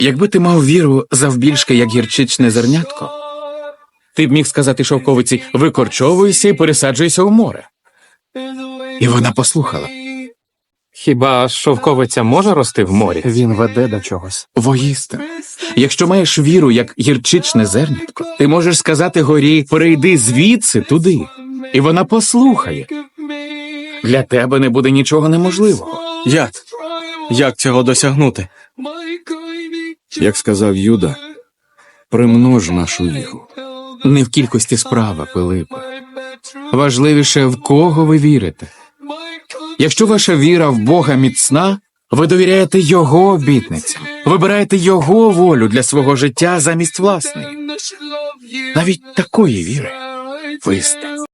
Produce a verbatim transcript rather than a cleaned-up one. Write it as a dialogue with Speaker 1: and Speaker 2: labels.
Speaker 1: Якби ти мав віру завбільшки, як гірчичне зернятко, ти б міг сказати шовковиці: викорчовуйся і пересаджуйся у море. І вона послухала.
Speaker 2: Хіба шовковиця може рости в морі?
Speaker 3: Він веде до чогось.
Speaker 1: Воістину, якщо маєш віру, як гірчичне зернятко, ти можеш сказати горі: перейди звідси туди, і вона послухає. Для тебе не буде нічого неможливого.
Speaker 3: Як? Як цього досягнути?
Speaker 4: Як сказав Юда, примнож нашу віру.
Speaker 1: Не в кількості справа, Пилипе. Важливіше, в кого ви вірите. Якщо ваша віра в Бога міцна, ви довіряєте Його обітницям, вибираєте Його волю для свого життя замість власної. Навіть такої віри вистачить.